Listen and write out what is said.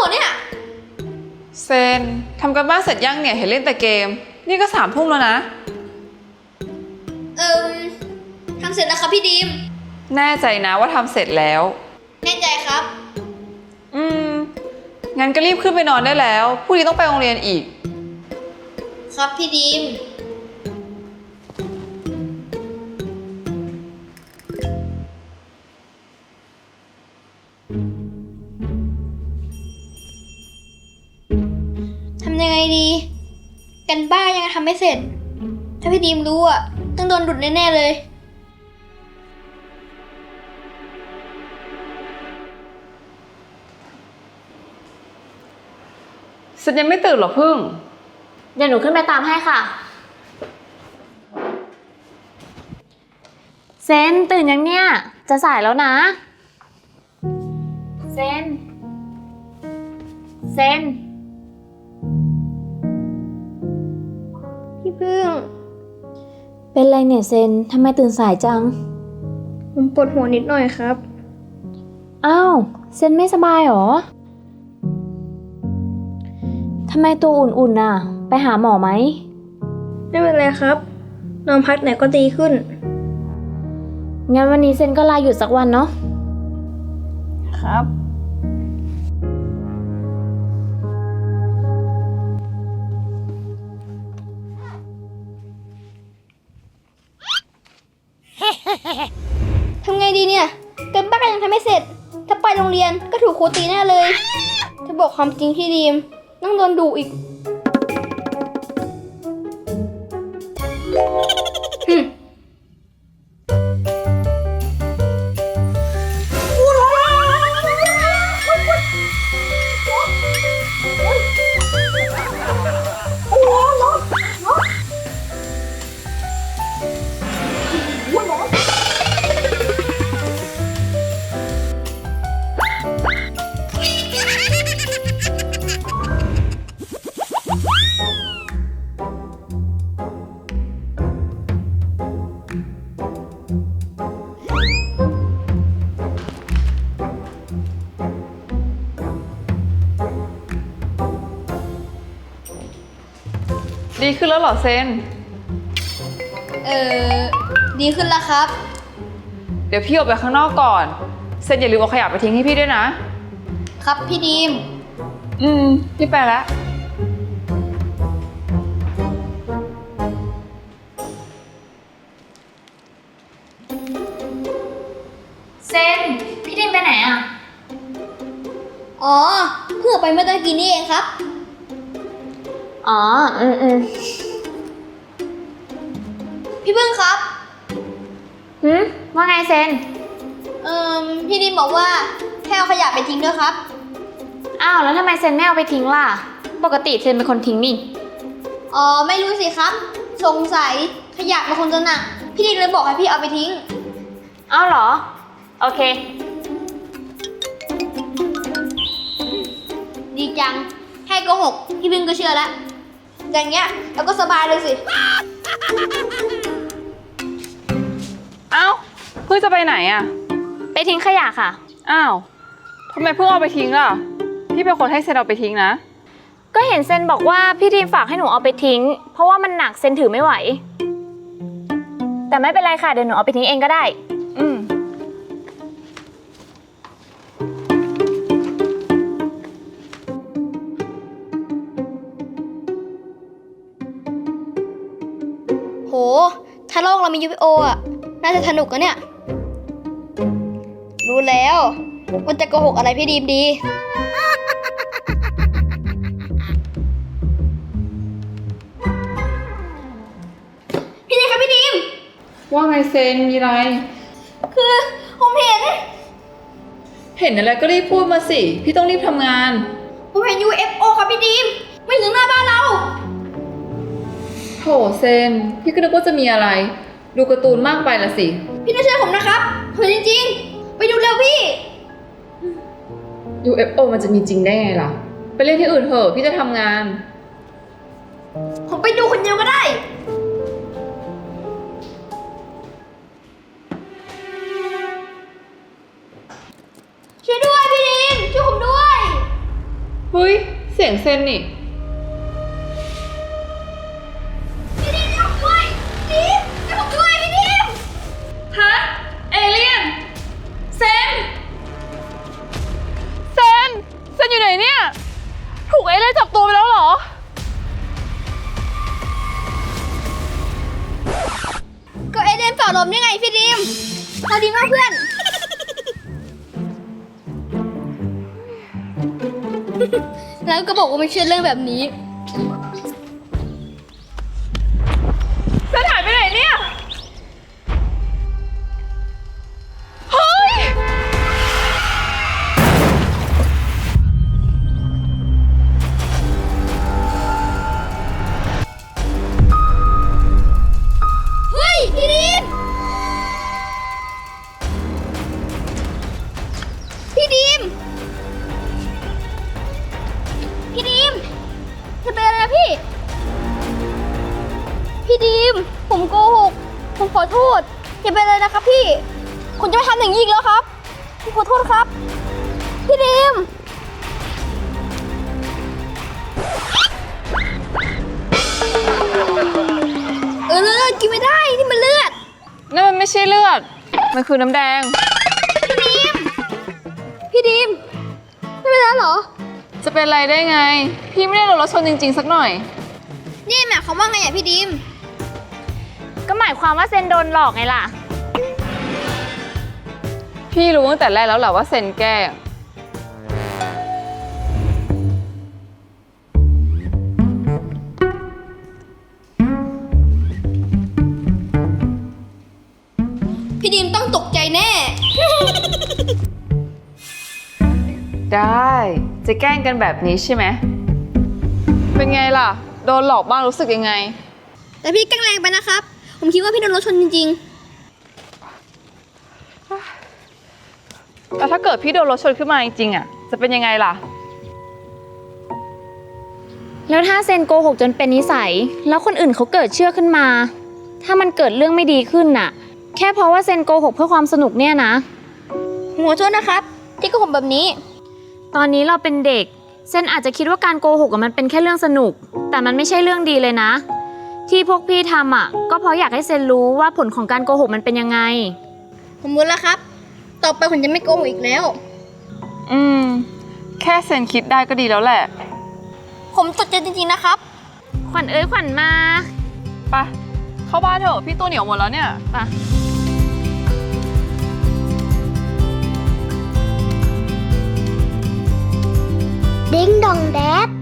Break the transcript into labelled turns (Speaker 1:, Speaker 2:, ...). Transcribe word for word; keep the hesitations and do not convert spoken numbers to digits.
Speaker 1: รอเนี่ย
Speaker 2: เซนทำกันบ้านเสร็จยังเนี่ยเห็นเล่นแต่เกมนี่ก็สามทุ่มแล้วนะ
Speaker 1: เอิมทำเสร็จแล้วครับพี่ดีม
Speaker 2: แน่ใจนะว่าทำเสร็จแล้ว
Speaker 1: แน่ใจครับ
Speaker 2: อืมงั้นก็รีบขึ้นไปนอนได้แล้วพรุ่งนี้ต้องไปโรงเรียนอีก
Speaker 1: ครับพี่ดีมทำยังไงดีกันบ้านยังทำไม่เสร็จถ้าพี่ดีมรู้อ่ะต้องโดนดุดแน่ๆเลย
Speaker 2: เซนยังไม่ตื่นหรอพึ่ง
Speaker 3: เดี๋ยวหนูขึ้นไปตามให้ค่ะเซนตื่นยังเนี่ยจะสายแล้วนะเซนเซน
Speaker 1: พี่พึ่ง
Speaker 3: เป็นไรเนี่ยเซนทำไมตื่นสายจัง
Speaker 1: ผมปวดหัวนิดหน่อยครับ
Speaker 3: อ้าวเซนไม่สบายหรอทำไมตัวอุ่นๆน่ะไปหาหมอไหม
Speaker 1: ไม่เป็นไรครับนอนพักไหนก็ดีขึ้น
Speaker 3: งั้นวันนี้เซนก็ลาหยุดสักวันเนาะ
Speaker 2: ครับ
Speaker 1: ทำไงดีเนี่ยกันบ้านยังทำไม่เสร็จถ้าไปโรงเรียนก็ถูกครูตีแน่เลยถ้าบอกความจริงพี่ดีมต้องโดนดุอีก
Speaker 2: ดีขึ้นแล้วเหรอเซน
Speaker 1: เออดีขึ้นแล้วครับ
Speaker 2: เดี๋ยวพี่ออกไปข้างนอกก่อนเซนอย่าลืมเอาขยะไปทิ้งให้พี่ด้วยนะ
Speaker 1: ครับพี่ดีม
Speaker 2: อืมพี่ไปแล้ว
Speaker 3: เซนพี่ดิมไปไหนอ่ะ
Speaker 1: อ๋อเพิ่งไปเมื่อตะกี้นี่เองครับ
Speaker 3: อ๋ออืมอืม
Speaker 1: พี่พึ่งครับ
Speaker 3: หืมว่าไงเซน
Speaker 1: เอ่อพี่ดิมบอกว่าให้เอาขยะไปทิ้งด้วยครับ
Speaker 3: อ้าวแล้วทำไมเซนไม่เอาไปทิ้งล่ะปกติเซนเป็นคนทิ้งนี่
Speaker 1: อ๋อไม่รู้สิครับสงสัยขยะมันคงจะหนักพี่ดิมเลยบอกให้พี่เอาไปทิ้ง
Speaker 3: อ้าวเหรอโอเค
Speaker 1: ดีจังให้โกหกพี่พึ่งก็เชื่อแล้วอย่างเงี้ยเราก็สบายเลยสิ
Speaker 2: เอ้าเพิ่งจะไปไหนอ่ะ
Speaker 3: ไปทิ้งขยะค่ะ
Speaker 2: อ้าวทำไมเพิ่งเอาไปทิ้งล่ะพี่เป็นคนให้เซนเอาไปทิ้งนะ
Speaker 3: ก็เห็นเซนบอกว่าพี่ทีมฝากให้หนูเอาไปทิ้งเพราะว่ามันหนักเซนถือไม่ไหวแต่ไม่เป็นไรค่ะเดี๋ยวหนูเอาไปทิ้งเองก็ได้
Speaker 2: อืม
Speaker 1: โหถ้าโลกเรามี ยู เอฟ โอ อ่ะน่าจะสนุกอะเนี่ยรู้แล้วมันจะโกหกอะไรพี่ดีมดีพี่ดีมครับพี่ดีม
Speaker 2: ว่าไงเซนมีอะไร
Speaker 1: คือผมเห็น
Speaker 2: เห็นอะไรก็รีบพูดมาสิพี่ต้องรีบทำงาน
Speaker 1: ผมเห็น ยู เอฟ โอ ครับพี่ดีมไม่ถึงหน้าบ้านเรา
Speaker 2: โถเซนพี่ก็นึกว่าจะมีอะไรดูการ์ตูนมากไปละสิ
Speaker 1: พี่ต้องเชื่อผมนะครับเห็นจริงๆไปดูเร็วพี่
Speaker 2: ยู เอฟ โอ มันจะมีจริงได้ไงล่ะไปเล่นที่อื่นเถอะพี่จะทำงาน
Speaker 1: ผมไปดูคนเดียวก็ได้ช่วยด้วยพี่ดิมช่วยผมด้วย
Speaker 2: ฮ้ย เสียงเซนนี่
Speaker 1: พี่ดีมช่วยผมด้วยดีมช่วยผมด้วยพี่ดีม
Speaker 2: ฮะ เอเลี่ยน เซน เซน เซนอยู่ไหนเนี่ย ถูกเอเลี่ยนจับตัวไปแล้วเหรอ
Speaker 1: ก็เอเดนเป่าลมยังไงพี่ดีมเอาดีมากเพื่อน แล้วก็บอกว่าไม่เชื่อเรื่องแบบนี้
Speaker 2: เซนหายไปไหนเนี่ย เฮ้ย
Speaker 1: เฮ้ยพี่ดีมพี่ดีมพี่ดีมจะเป็นอะไรนะพี่ พี่ดีมผมโกหก ผมขอโทษอย่าเป็นอะไรนะครับพี่ ผมจะไม่ทำอย่างนี้อีกแล้วครับผมขอโทษครับ พี่ดีมเออเลือดกินไม่ได้นี่มันเลือด
Speaker 2: นั่นมันไม่ใช่เลือด มันคือน้ำแดง
Speaker 1: พี่ดีมไม่เป็นไรเหรอ
Speaker 2: จะเป็นไรได้ไง พี่ไม่ได้โดนรถชนจริงๆสักหน่อย
Speaker 1: นี่หมายความว่าไงอ่ะพี่ดีม
Speaker 3: ก็หมายความว่าเซนโดนหลอกไงล่ะ
Speaker 2: พี่รู้ตั้งแต่แรกแล้วแหละว่าเซนแกล้ง
Speaker 1: พี่ดีมต้องตกใจแน่
Speaker 2: ได้ จะแกล้งกันแบบนี้ใช่ไหม เป็นไงล่ะ โดนหลอกบ้างรู้สึกยังไง
Speaker 1: แต่พี่แกล้งแรงไปนะครับ ผมคิดว่าพี่โดนรถชนจริง
Speaker 2: แล้วถ้าเกิดพี่โดนรถชนขึ้นมาจริงๆอ่ะ จะเป็นยังไงล่ะ
Speaker 3: แล้วถ้าเซนโกหกจนเป็นนิสัย แล้วคนอื่นเขาเกิดเชื่อขึ้นมา ถ้ามันเกิดเรื่องไม่ดีขึ้นน่ะ แค่เพราะว่าเซนโกหกเพื่อความสนุกเนี่ยนะ
Speaker 1: ๆ หัวโทษนะครับ ที่โก็ผมแบบนี้
Speaker 3: ตอนนี้เราเป็นเด็ก เซนอาจจะคิดว่าการโกหกอะมันเป็นแค่เรื่องสนุก แต่มันไม่ใช่เรื่องดีเลยนะ ที่พวกพี่ทำอ่ะ ก็เพราะอยากให้เซนรู้ว่าผลของการโกหกมันเป็นยังไง
Speaker 1: ผมรู้แล้วครับ ต่อไปผมจะไม่โกหกอีกแล้ว
Speaker 2: อืม แค่เซนคิดได้ก็ดีแล้วแหละ
Speaker 1: ผมตกใจจริงๆนะครับ
Speaker 3: ขวัญเอ้ยขวัญมา
Speaker 2: ไป เข้าบ้านเถอะ พี่ตัวเหนียวหมดแล้วเนี่ย
Speaker 3: ไป
Speaker 1: ดิ้งดองแดด